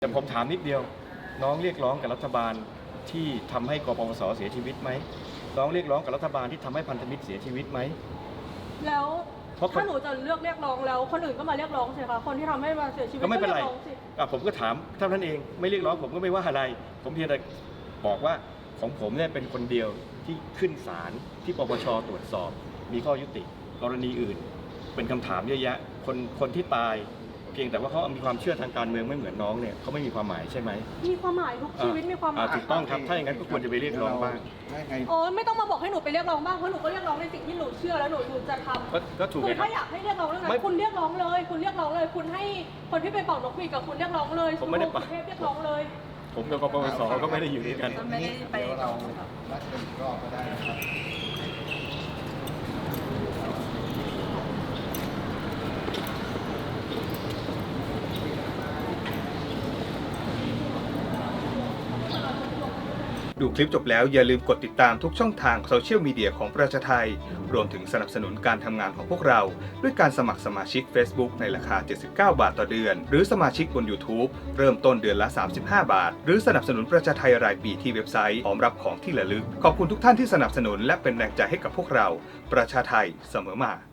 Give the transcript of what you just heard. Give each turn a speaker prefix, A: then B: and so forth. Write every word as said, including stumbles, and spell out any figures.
A: แต่ผมถามนิดเดียวน้องเรียกร้องกับรัฐบาลที่ทำให้กปปสเสียชีวิตไหมน้องเรียกร้องกับรัฐบาลที่ทำให้พันธมิตรเสียชีวิตไหม
B: แล้วถ้าหนูจะเลือกเรียกร้องแล้วคนอื่นก็มาเรียกร้องสิคะคนที่ทำให้มาเสียชีวิต
A: ก็ไม่เป็นไร
B: ก็ยกร้องสิ
A: อ่ะผมก็ถามเท่านั้นเองไม่เรียกร้องผมก็ไม่ว่าอะไรผมเพียงแต่บอกว่าของผมเนี่ยเป็นคนเดียวที่ขึ้นศาลที่ปปชตรวจสอบมีข้อยุติกรณีอื่นเป็นคำถามเยอะแยะคนคนที่ตายเพียงแต่ว่าเขามีความเชื่อทางการเมืองไม่เหมือนน้องเนี่ยเขาไม่มีความหมายใช่ไหม
B: มีความหมายทุกชีวิตมีความหมาย
A: ถูกต้องครับถ้าอย่างนั้นก็ควรจะไปเรียกร้องบ้าง
B: โอ้ไม่ต้องมาบอกให้หนูไปเรียกร้องบ้างเพราะหนูก็เรียกร้องในสิ่งที่หนูเชื่อแล้วหนูหนูจะทำ
A: ก็ก็ถูก
B: คื
A: ไง
B: อ
A: ครั
B: ถ้า
A: บ
B: อยากให้เรียกร้องเรื่องนั้
A: ไม่
B: นคุณเรียกร้องเลย คุณเรียกร้องเลย คุณให้คนที่ไปเป่านกหวีดกับคุณเรียกร้องเลย
A: ผมไม่ได้
B: สุเทพเรียกร้องเลย
A: ผมกับกปปสก็ไม่ได้อยู่ด้วยกัน
C: ไม่ได้ไปเรานัดกันอีกรอบก็ได้นะครับ
D: ดูคลิปจบแล้วอย่าลืมกดติดตามทุกช่องทางโซเชียลมีเดียของประชาไทยรวมถึงสนับสนุนการทำงานของพวกเรา ด้วยการสมัครสมาชิก Facebook ในราคา เจ็ดสิบเก้า บาทต่อเดือน หรือสมาชิกบน YouTube เริ่มต้นเดือนละ สามสิบห้า บาท หรือสนับสนุนประชาไทยรายปีที่เว็บไซต์พร้อมรับของที่ระลึก ขอบคุณทุกท่านที่สนับสนุนและเป็นแรงใจให้กับพวกเรา ประชาไทยเสมอมา